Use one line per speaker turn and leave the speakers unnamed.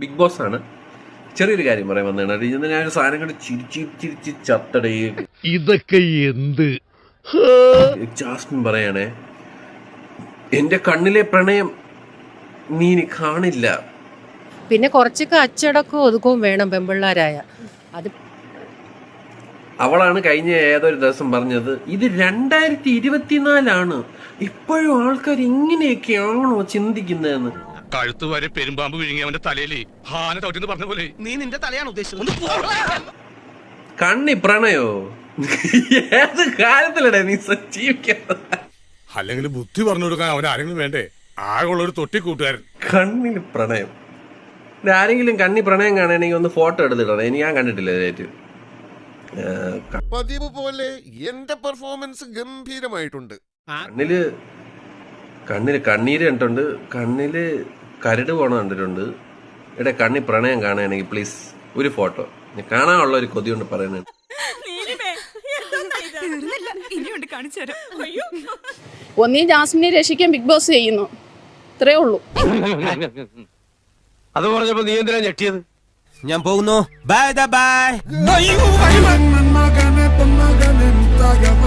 Big boss ആണ്. ചെറിയൊരു കാര്യം പറയാൻ വന്നതാണ്. ഇന്ന് ഞാനൊരു സാധനം കണ്ട് ചിരിച്ച് ചത്തടേ.
ഇതൊക്കെ എന്ത്?
ജാസ്മിൻ പറയണേ, എന്റെ കണ്ണിലെ പ്രണയം നീ ഇനി കാണില്ല.
പിന്നെ കുറച്ചൊക്കെ അച്ചടക്കവും ഒതുക്കവും വേണം പെമ്പിള്ളാരായ. അത്
അവളാണ് കഴിഞ്ഞ ഏതൊരു ദിവസം പറഞ്ഞത്, ഇത് 2024 ഇപ്പോഴും ആൾക്കാർ ഇങ്ങനെയൊക്കെയാണോ ചിന്തിക്കുന്നതെന്ന്.
കഴുത്ത് വരെ പെരുമ്പാമ്പ് വിഴുങ്ങി അവന്റെ തലയിൽ ഹാന തോറ്റെന്ന് പറഞ്ഞ പോലെ
നീ നിന്റെ തലയാണ് ഉദ്ദേശിച്ചത്.
കണ്ണി പ്രണയോ? ഏത് കാലത്തിലടേ നീ ജീവിക്കുന്നത്?
അല്ലെങ്കിൽ ബുദ്ധി പറഞ്ഞു കൊടുക്കാൻ അവൻ ആരെങ്കിലും വേണ്ടേ? ആകെയുള്ള ഒരു തൊട്ടി കൂട്ടുകാരൻ.
കണ്ണിൽ പ്രണയം. ആരെങ്കിലും കണ്ണി പ്രണയം കാണുകയാണെങ്കിൽ ഒന്ന് ഫോട്ടോ എടുത്തിടണം. ഇനി ഞാൻ കണ്ടിട്ടില്ല ഇതായിട്ട്.
പതിവ് പോലെ എന്റെ പെർഫോമൻസ് ഗംഭീരമായിട്ടുണ്ട്.
കണ്ണില് കണ്ണീര് കണ്ടിട്ടുണ്ട്, കണ്ണില് കരട് പോണ കണ്ടിട്ടുണ്ട്. ഇവിടെ കണ്ണി പ്രണയം കാണുകയാണെങ്കിൽ പ്ലീസ് ഒരു ഫോട്ടോ. കാണാനുള്ള ഒരു കൊതി കൊണ്ട് പറയുന്നത്.
ഒന്നീ ജാസ്മിനെ രക്ഷിക്കാൻ ബിഗ് ബോസ് ചെയ്യുന്നു, ഇത്രേ ഉള്ളൂ.
അത് പറഞ്ഞപ്പോ നീ എന്തിനാ ഞെട്ടിയത്?
ഞാൻ പോകുന്നു. Bye by.